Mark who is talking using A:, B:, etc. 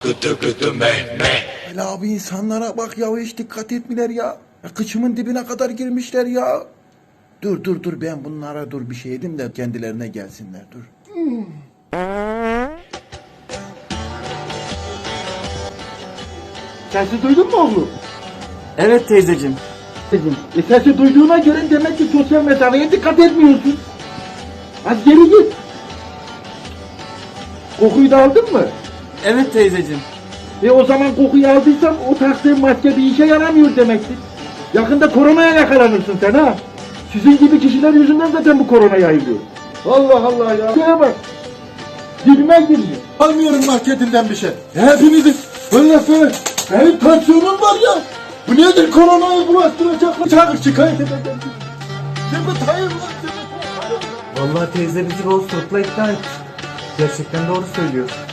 A: Gıdı gıdı me.
B: Hele abi insanlara bak ya, hiç dikkat etmiler ya. Kıçımın dibine kadar girmişler ya. Dur ben bunlara bir şey edeyim de kendilerine gelsinler dur.
C: Sesi duydun mu oğlum?
D: Evet teyzeciğim.
C: Sesi duyduğuna göre demek ki sosyal mesafeye dikkat etmiyorsun. Hadi geri git. Kokuyu da aldın mı?
D: Evet teyzeciğim.
C: O zaman kokuyu aldıysan o taktığın maske bir işe yaramıyor demektir. Yakında koronaya yakalanırsın sen ha. Sizin gibi kişiler yüzünden zaten bu korona yayılıyor. Allah Allah ya. Şuraya bak. Dibime girdi.
B: Almıyorum marketinden bir şey. Hepinizi böyle. Benim tansiyonum var ya. Bu nedir, koronayı bulaştıracak? Çağır, şikayet edeceğim. Şimdi hayır lan.
D: Vallahi teyze bizi Bozturt'la ikna etti. Gerçekten doğru söylüyor.